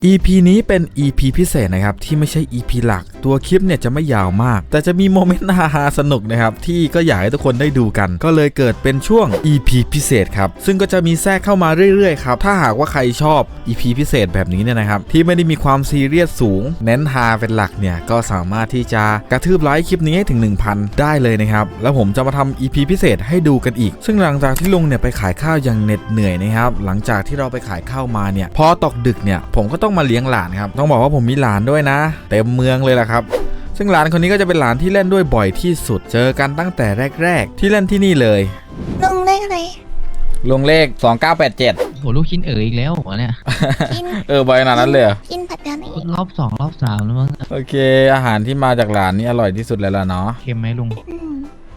EP นี้เป็น EP พิเศษนะครับที่ไม่ใช่ EP หลักตัวคลิปเนี่ยจะไม่ยาวมากแต่จะมีโมเมนต์ฮาๆสนุกนะครับที่ก็อยากให้ทุกคนได้ดูกันก็เลยเกิดเป็นช่วง EP พิเศษครับซึ่งก็จะมีแทรกเข้ามาเรื่อยๆครับถ้าหากว่าใครชอบ EP พิเศษแบบนี้เนี่ยนะครับที่ไม่ได้มีความซีเรียสสูงเน้นฮาเป็นหลักเนี่ยก็สามารถที่จะกระทืบไลค์คลิปนี้ให้ถึง 1,000 ได้เลยนะครับแล้วผมจะมาทำ EP พิเศษให้ดูกันอีกซึ่งหลังจากที่ลุงเนี่ยไปขายข้าวอย่างเหน็ดเหนื่อยนะครับหลังจากที่เราไปขายข้าวมาเนี่ยพอตกดึกเนี่ยผมก็ต้องมาเลี้ยงหลานครับต้องบอกว่าผมมีหลานด้วยนะเต็มเมืองเลยล่ะครับซึ่งหลานคนนี้ก็จะเป็นหลานที่เล่นด้วยบ่อยที่สุดเจอกันตั้งแต่แรกๆที่เล่นที่นี่เลยลุงเลขอะไรลงเลข2987 โหลูกชิ้นอีกแล้วเหรอเนี่ยกินบ่อยขนาดนั้นเลยกินผัดเดียวนี่รอบ2รอบ3แล้วมั้งโอเคอาหารที่มาจากหลานนี่อร่อยที่สุดเลยล่ะเนาะเค็มไหมลุงอืม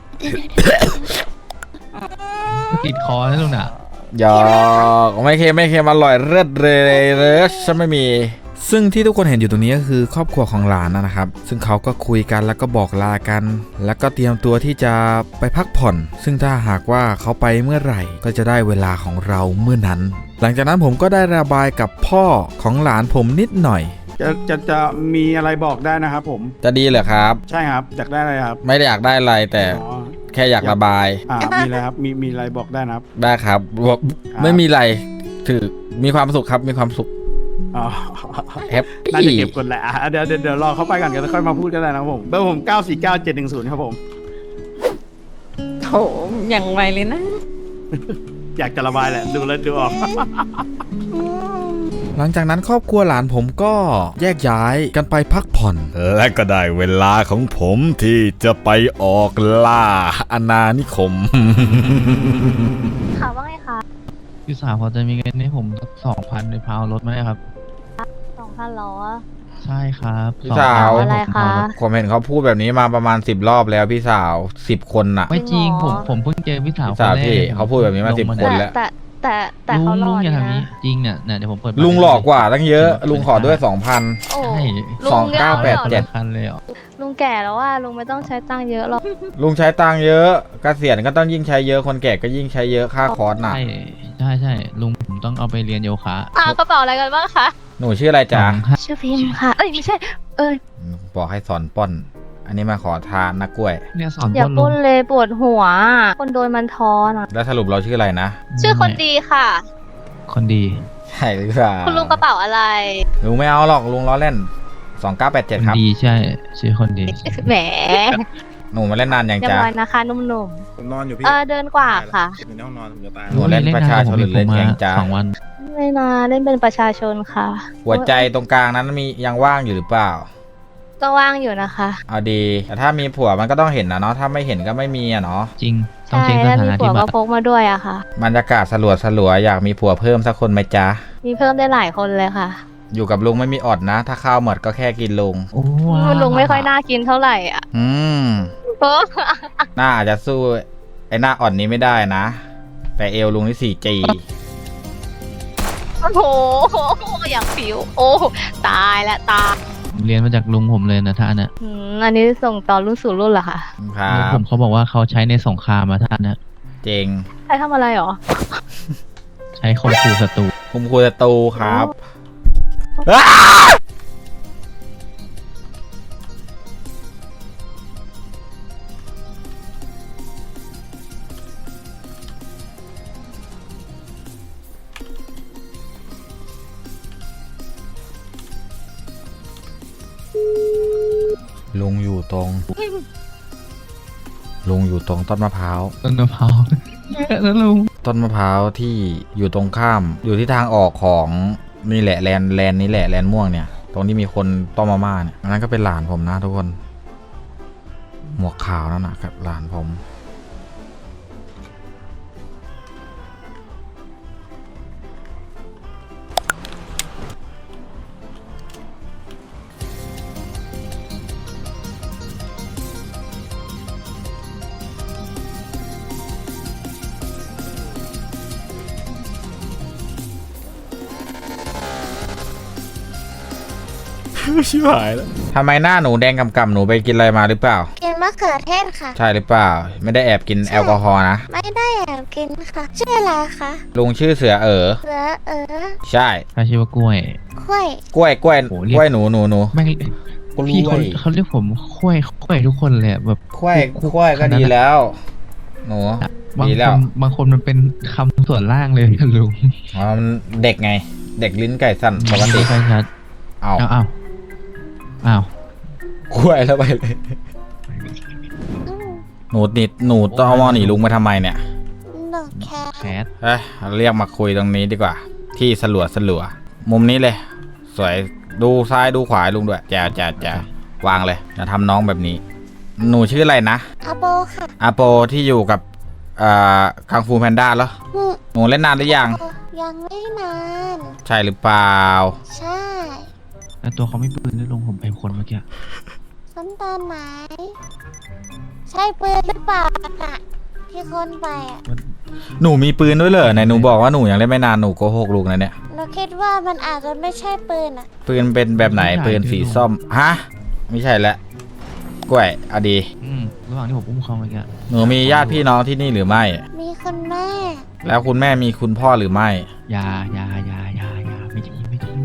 ติดคอแล้วลุงน่ะยอกไม่เค็มอร่อยเลิศเลยฉันไม่มีซึ่งที่ทุกคนเห็นอยู่ตรงนี้ก็คือครอบครัวของหลานนะครับซึ่งเขาก็คุยกันแล้วก็บอกลากันแล้วก็เตรียมตัวที่จะไปพักผ่อนซึ่งถ้าหากว่าเขาไปเมื่อไหร่ก็จะได้เวลาของเราเมื่อนั้นหลังจากนั้นผมก็ได้ระบายกับพ่อของหลานผมนิดหน่อยจะมีอะไรบอกได้นะครับผมจะดีเหรอครับใช่ครับอยากได้อะไรครับไม่ได้อยากได้อะไรแต่แค่อยากระบายมีอะไรครับมีอะไรบอกได้นะครับได้ครับไม่มีอะไรถือมีความสุขครับมีความสุขน่าจะเก็บคนแหละเดี๋ยวรอเขาไปก่อนกันแล้วค่อยมาพูดกันได้นะครับผมเบอร์ผม949-710ครับผมโถอย่างไวเลยนะอยากจะระบายแหละดูแล้วดูออกหลังจากนั้นครอบครัวหลานผมก็แยกย้ายกันไปพักผ่อนและก็ได้เวลาของผมที่จะไปออกล่าอาณานิคมค่ะว่าไงคะพี่สาวพอจะมีเงินให้ผมสัก2,000ในพาวรถไหมครับ 2,000ล้อใช่ครับพี่สาวอะไรคะผมเห็นเขาพูดแบบนี้มาประมาณ10 รอบแล้วพี่สาว10 คนน่ะไม่จริงผมเพิ่งเจอพี่สาวคนแรกพี่เขาพูดแบบนี้มา10 คนแล้วแต่เขาหลอกอย่าทำนี้จริงเนี่ยเดี๋ยวผมเปิดลุงหลอกกว่าตั้งเยอะลุงขอด้วย 2,000 ใช่ 2987 เลยลุงแก่แล้วว่าลุงไม่ต้องใช้ตังค์เยอะหรอกลุงใช้ตังค์เยอะเกษียณก็ต้องยิ่งใช้เยอะคนแก่ก็ยิ่งใช้เยอะค่าคอร์สน่ะใช่ลุงผมต้องเอาไปเรียนโยคะกระเป๋าอะไรกันบ้างคะหนูชื่ออะไรจ๊ะชื่อพิมพ์ค่ะไม่ใช่บอกให้สอนป้อนอันนี้มาขอทานนะกล้วยเนี่ยสอนอย่าป้นเลยปวดหัวคนโดนมันท้อนะแล้วสรุปเราชื่ออะไรนะชื่อคนดีค่ะคนดีใช่หรือเปล่าคุณลุงกระเป๋าอะไรลุงไม่เอาหรอกลุงล้อเล่น2987ครับดีใช่ชื่อคนดีแหมหนูมาเล่นนานยังจ๊ะยังนะคะนุ่มๆผมนอนอยู่พี่เดินกว่าค่ะในห้องนอนผมจะตายหนูเล่นประชาชนหรือเล่นแข่งจ๊ะ 2 วันไม่นาเล่นเป็นประชาชนค่ะหัวใจตรงกลางนั้นมียังว่างอยู่หรือเปล่าก็ว่างอยู่นะคะเอาดีแต่ถ้ามีผัวมันก็ต้องเห็นนะเนาะถ้าไม่เห็นก็ไม่มีอะเนาะจริงต้องเช็คสถานะที่บัตรก็พกมาด้วยอะค่ะบรรยากาศสลัวอยากมีผัวเพิ่มสักคนไหมจ๊ะมีเพิ่มได้หลายคนเลยค่ะอยู่กับลุงไม่มีอดนะถ้าข้าวหมดก็แค่กินลุงลุงไม่ค่อยน่ากินเท่าไหร่อ่ะหน้าอาจจะสู้ไอ้หน้าอ่อนนี้ไม่ได้นะแต่เอวลุงนี่ 4G โอ้โหอย่างผิวโอ้ตายละตายเรียนมาจากลุงผมเลยนะท่านนะอันนี้ส่งต่อรุ่นสู่รุ่นเหรอคะครับผมเขาบอกว่าเขาใช้ในสงครามมาท่านนะเจ๋งใช้ทำอะไรหรอใช้ข่มขู่ศัตรูครับลุงอยู่ตรงต้นมะพร้าวแล้วลุงต้นมะพร้าวที่อยู่ตรงข้ามอยู่ที่ทางออกของนี่แหละแลนนี้แหละแลนม่วงเนี่ยตรงที่มีคนต้มมาม่าเนี่ยนั่นก็เป็นหลานผมนะทุกคนหมวกขาวนั่นนะครับหลานผมชิบหายแล้วทำไมหน้าหนูแดงกำๆหนูไปกินอะไรมาหรือเปล่ากินมะเขือเทศค่ะใช่หรือเปล่า ไม่ได้แอบกินแอลกอฮอล์นะไม่ได้แอบกินค่ะ ชื่ออะไรคะลุงชื่อเสือเหลือใช่ถ้าชื่อว่ากล้วยค่อยกล้วยโอ้เรียกกล้วยหนูแม่งกล้วยพี่เขาเรียกผมกล้วยทุกคนเลยอะแบบกล้วยก็ดีแล้ว หนูบางดีคแล้วนบางคนมันเป็นคำส่วนล่างเลยลุงอ๋อมันเด็กไง เด็กลิ้นไก่สั้นปกติไม่ค่อยชัดเอาอ้าวกล้วยแล้วไปเลย หนูต้องเอามอหนีลุงมาทำไมเนี่ยหนูแค่แคทเอ้ยเรียกมาคุยตรงนี้ดีกว่า ที่สลัวมุมนี้เลย สวยดูซ้ายดูขวาให้ลุงด้วยแจ๋วางเลยอย่าทำน้องแบบนี้ หนูชื่ออะไรนะอาโบค่ะอาโปที่อยู่กับกังฟูแพนด้าเหรออืมหนูเล่นนานหรือยังยังไม่นานใช่หรือเปล่าใช่แต่ตัวเขาไม่ปืนด้วยลุงผมไปคนเมื่อกี้สันตอนไหน ใช่ปืนหรือเปล่าอะที่คนไปอ่ะหนูมีปืนด้วยเหรอไหนหนูบอกว่าหนูยังเล่นไม่นานหนูโกหกลุงนะเนี่ยเราคิดว่ามันอาจจะไม่ใช่ปืนอ่ะปืนเป็นแบบไหนปืนสีส้มฮะไม่ใช่แล้วกล้วยเอาดีระหว่างที่ผมอุ้มเขาเมื่อกี้หนูมีญาติพี่น้องที่นี่หรือไม่มีคุณแม่แล้วคุณแม่มีคุณพ่อหรือไม่ยาไม่ดีไม่ดี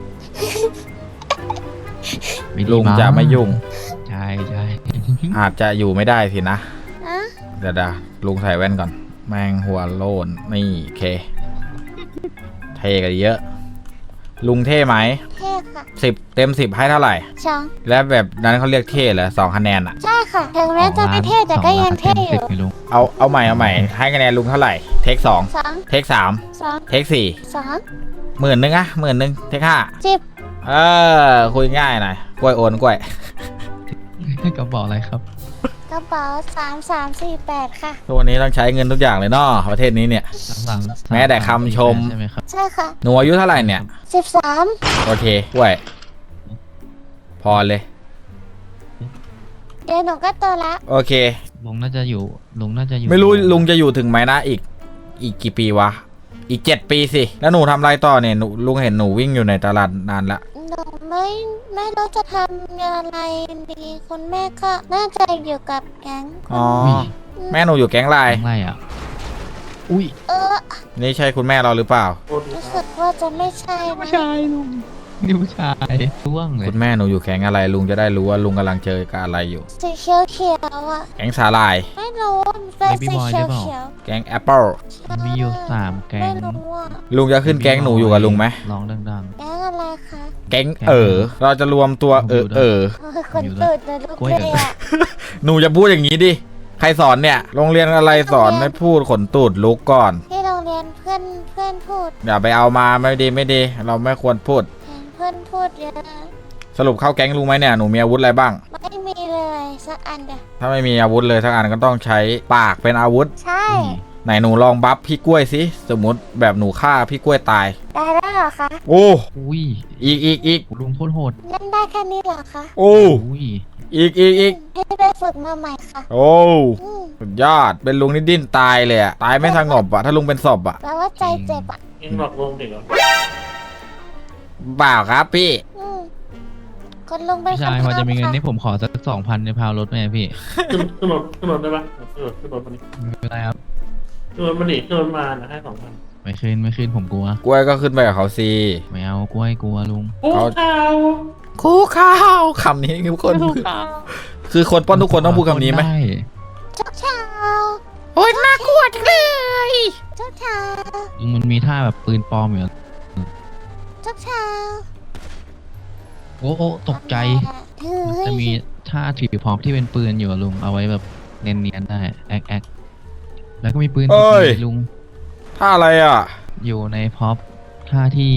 ลุงจะไม่ยุ่งใช่อาจจะอยู่ไม่ได้สินะอะเดี๋ยวลุงใส่แว่นก่อน แมงหัวโลนนี่เคเท่กันเยอะ ลุงเท่ไหมเท่ค่ะ 10 เต็ม 10 ให้เท่าไหร่สองและแบบนั้นเขาเรียกเท่เหรอ2 คะแนนอะใช่ค่ะ ถึงแม้จะไม่เท่แต่ก็ยังเท่อยู่ลุงเอาใหม่ให้คะแนนลุงเท่าไหร่เทคสอง 2เทค 3 สองเทค 4 สอง 10,000อะ10,000เทค 10 5คุยง่ายหน่อยกล้วยโอนกล้วยกระบอกอะไรครับกระเป๋า3348 ค่ะทุกวันนี้ต้องใช้เงินทุกอย่างเลยเนาะประเทศนี้เนี่ย แม้แต่คำชมใช่ไหมครับใช่ค่ะหนูอายุเท่าไหร่เนี่ย 13 โอเคกล้วยพอเลยเดี๋ยวหนูก็โตละโอเคลุงน่าจะอยู่ไม่รู้ลุงจะอยู่ถึงไหมนะอีกกี่ปีวะ อีก7 ปีสิ แล้วหนูทำอะไรต่อเนี่ยลุงเห็นหนูวิ่งอยู่ในตลาดนานละหนูไม่รู้จะทำงานอะไรดีคุณแม่ก็น่าจะอยู่กับแก๊งอ๋อ แม่หนูอยู่แก๊งไลน์ไล่อ่ะ อุ้ยนี่ใช่คุณแม่เราหรือเปล่ารู้สึกว่าจะไม่ใช่นะลุงนี่ผู้ชายร่วงเลยคุณแม่หนูอยู่แก๊งอะไรลุงจะได้รู้ว่าลุงกำลังเจอกับอะไรอยู่สีเขียวเขียวๆอ่ะแก๊งสาลายไม่รู้มันเป็นสีเขียวเขียวแก๊งแอปเปิลมีอยู่3 แก๊ไม่งรู้อ่ะลุงจะขึ้นแก๊งหนูอยู่กับลุงไหมร้องดังแก๊งอะไรคะแก๊งเราจะรวมตัวโอ้ยคนตื่นเลยลูกเลยอ่ะหนูจะพูดอย่างนี้ดิ ใครสอนเนี่ย โรงเรียนอะไรสอนให้พูดขนตูดลุกก่อนที่โรงเรียนเพื่อนพูดอย่าไปเอามาไม่ดี เราไม่ควรพูดเห็นเพื่อนพูดเยอะสรุปเข้าแก๊งลุงไหมเนี่ย หนูมีอาวุธอะไรบ้างไม่มีเลยสักอันเดียวถ้าไม่มีอาวุธเลยทั้งอันก็ต้องใช้ปากเป็นอาวุธใช่ไหนหนูลองบัฟพี่กล้วยสิ สมมติแบบหนูฆ่าพี่กล้วยตายได้แล้วเหรอคะโอ้ๆ อุ้ยอีกลุงโคตรโหดเล่นได้แค่นี้เหรอคะโอ้อุ้ยอีกให้ไปฝึกมาใหม่ค่ะโอ้อืมสุดยอด เป็นลุงนี่ดิ้นตายเลยอะตายไม่สงบอะถ้าลุงเป็นศพอะแปลว่าใจเจ็บอ่ะเองหลอกลวงเด็กเหรอเปล่าครับพี่อืมคนลงไปพี่ชายพอจะมีเงินให้ผมขอสัก 2,000ในพาวรถไหมพี่ขึ้นรถได้ปะขึ้นรถมาดิไม่เป็นไรครับขึ้นรถมาดิขึ้นรถมานะให้2,000 ไม่ขึ้นผมกลัวกล้วยก็ขึ้นไปกับเขาสิไม่เอากล้วยกลัวลุงโอ้ข้าวคู่ข้าวคำนี้ทุกคนคือคนป้อนทุกคนต้องพูดคำนี้ไหมด้ทุกเช้าโอ้ยน่ากลัวจังเลยทุกเช้าลุงมันมีท่าแบบปืนปลอมอยู่ทุกเช้าโอ้ตกใจเฮ้ยจะมีท่าถือพร้อมที่เป็นปืนอยู่อะลุงเอาไว้แบบเนียนๆได้แอคแล้วก็มีปืนอีกลุงท่าอะไรอ่ะอยู่ในพร็อพท่าที่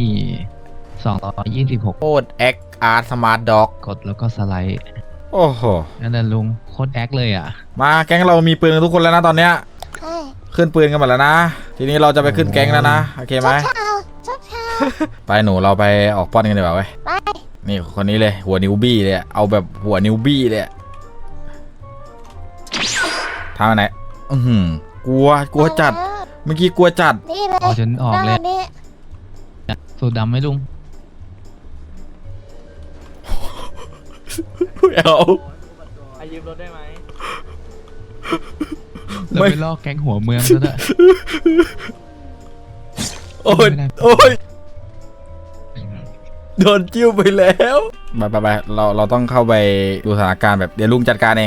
226 โคตรแอคอาร์สมาร์ทด็อกกดแล้วก็สไลด์โอ้โหนั่นแหละลุงโคตรแอคเลยอ่ะมาแก๊งเรามีปืนกันทุกคนแล้วนะตอนเนี้ยใช่ขึ้นปืนกันหมดแล้วนะ ทีนี้เราจะไปขึ้นแก๊งแล้วนะ โอเคไหมทุกเช้าไปหนูเราไปออกป้อนกันดีกว่าเว้ยไปนี่คนนี้เลยหัวนิวบี้เลยอะเอาแบบหัวนิวบี้เลยอะทำอะไรกลัวจัด เมื่อกี้กลัวจัดนี่เลยเอาจนออกเลยนี่สูตรดำไหมลุงไม่เอายืมรถได้ไหมเราไปลอกแก๊งหัวเมืองซะด้วยโอ้ยโอ้ยโดนจิ้วไปแล้วไปเราต้องเข้าไปดูสถานการณ์แบบเดี๋ยวลุงจัดการเอง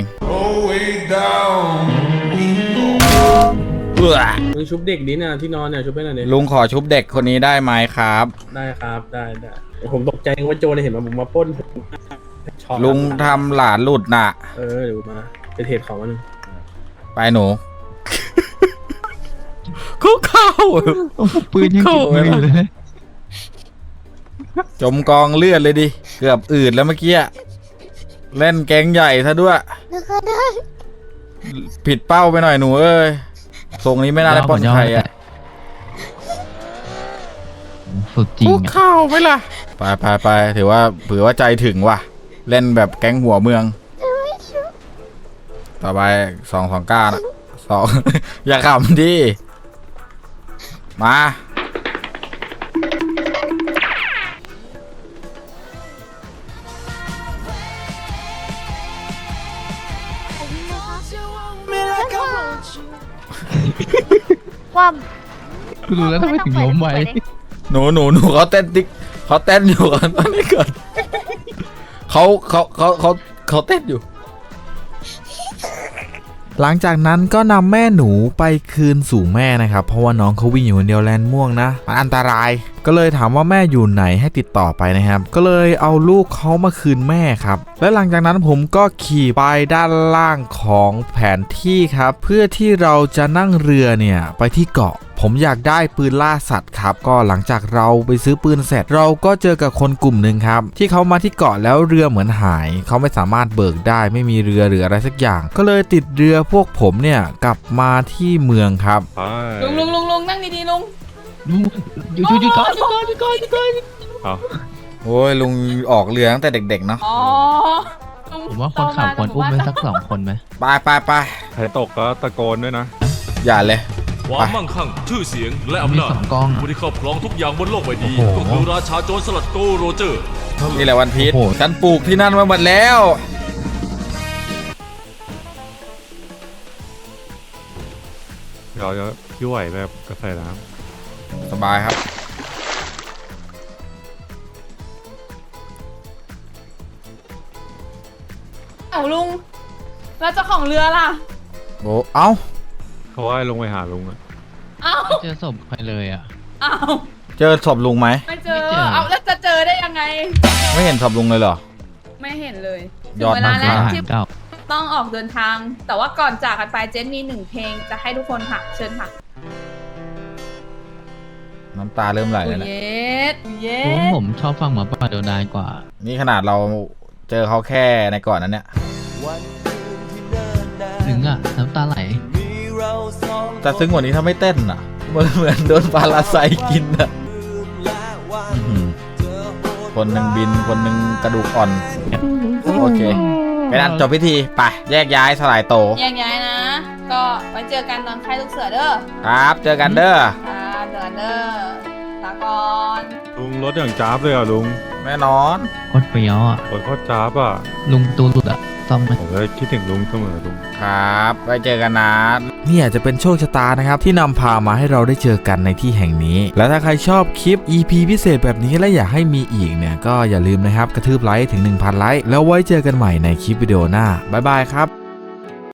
มึงชุบเด็กดิน่ะที่นอนเนี่ยชุบไปหน่อยดิลุงขอชุบเด็กคนนี้ได้ไหมครับได้ครับได้ผมตกใจว่าโจรเห็นว่าผมมาปล้นช็อกลุงทำหลานหลุดน่ะเดี๋ยวมาไปเทรดของมันงไปหนูเข้าโอ้โหปืนยังติดมืออยู่เลยจมกองเลือดเลยดิ เกือบอืดแล้วเมื่อกี้เล่นแก๊งใหญ่ซะด้วยแล้วก็ได้ผิดเป้าไปหน่อยหนูเอ้ยทรงนี้ไม่น่าได้ปล้นใครอ่ะสุดจริงอ่ะเข้าไปล่ะไปถือว่าใจถึงว่ะ เล่นแบบแก๊งหัวเมือง ต่อไป229นะ2 อย่าขำดิมาความกูรู้แล้วทำไมถึงล้มไว้หนูเขาเต้นติ๊กเขาเต้นอยู่กันตอนนี้เกิดเขาเต้นอยู่ หลังจากนั้นก็นำแม่หนูไปคืนสู่แม่นะครับเพราะว่าน้องเขาวิ่งอยู่คนเดียวแลนม่วงนะมันอันตรายก็เลยถามว่าแม่อยู่ไหนให้ติดต่อไปนะครับก็เลยเอาลูกเขามาคืนแม่ครับและหลังจากนั้นผมก็ขี่ไปด้านล่างของแผนที่ครับเพื่อที่เราจะนั่งเรือเนี่ยไปที่เกาะผมอยากได้ปืนล่าสัตว์ครับก็หลังจากเราไปซื้อปืนเสร็จเราก็เจอกับคนกลุ่มหนึ่งครับที่เขามาที่เกาะแล้วเรือเหมือนหายเขาไม่สามารถเบิกได้ไม่มีเรือหรืออะไรสักอย่างก็เลยติดเรือพวกผมเนี่ยกลับมาที่เมืองครับลุงนั่งดีๆลุงหยุดก่อนโอ้ยลุงออกเรือตั้งแต่เด็กๆเนาะอ๋อผมว่าคนขับควรอุ้มไว้สัก2 คนไหมไปใครตกก็ตะโกนด้วยนะอย่าเลยความมั่งคั่งชื่อเสียงและอำมีนาจ 2 กล้องผู้ที่ครอบครองทุกอย่างบนโลกใบนี้โอ้โหก็คือราชาโจรสลัดโกโรเจอร์นี่แหละวันพีชโอ้โหฉันปลูกที่นั่นมาหมดแล้วเราจะย่วยแบบกาแฟน้สบายครับเอ้าลุง แล้วเจ้าของเรือล่ะโอ้เอ้าำเขาว่าให้ลงไปหาลุงอะเอ้าไม่เจอศพใครเลยอ่ะเอ้าเจอศพลุงไหมไม่เจไม่อเจอเอาแล้วจะเจอได้ยังไงไม่เห็นศพลุงเลยเหรอไม่เห็นเลยยอดถึงเวลาแล้วอาหารที่เก่าต้องออกเดินทาง แต่ว่าก่อนจากกันไปเจนมี1 เพลงจะให้ทุกคนค่ะ เชิญค่ะน้ำตาเริ่มไหลอุแล้วนะเยสอุเยผมสชอบฟังหมาป่าเดียวดายกว่านี่ขนาดเราเจอเขาแค่ในเก่อนนั้นเนี่ยถึงอ่ะน้ำตาไหลแต่ซึ้งกว่านี้ถ้าไม่เต้นอ่ะเหมือนโดนปลาลาไซกินอ่ะอื้อหือคนหนึ่งบินคนหนึ่งกระดูกอ่อนโอเคไปนั่นจบพิธีไปแยกย้ายสลายโตแยกย้ายนะ ก็ไว้เจอกันตอนค่ายลูกเสือเด้อครับเจอกันเด้อเจอกันเด้อลาก่อนลุงรถอย่างจ้าบเลยอ่ะลุงแน่นอนโคตรเปรี้ยวอ่ะรถโคตรจ้าบอ่ะลุงตูหลุดอ่ะซ่อมไหมผมเลยคิดถึงลุงเสมอลุงครับไว้เจอกันนะนี่อาจจะเป็นโชคชะตานะครับที่นำพามาให้เราได้เจอกันในที่แห่งนี้ แล้วถ้าใครชอบคลิป EP พิเศษแบบนี้และอยากให้มีอีกเนี่ยก็อย่าลืมนะครับกระทืบไลค์ถึง 1,000 ไลค์แล้วไว้เจอกันใหม่ในคลิปวิดีโอหน้าบ๊ายบายครับ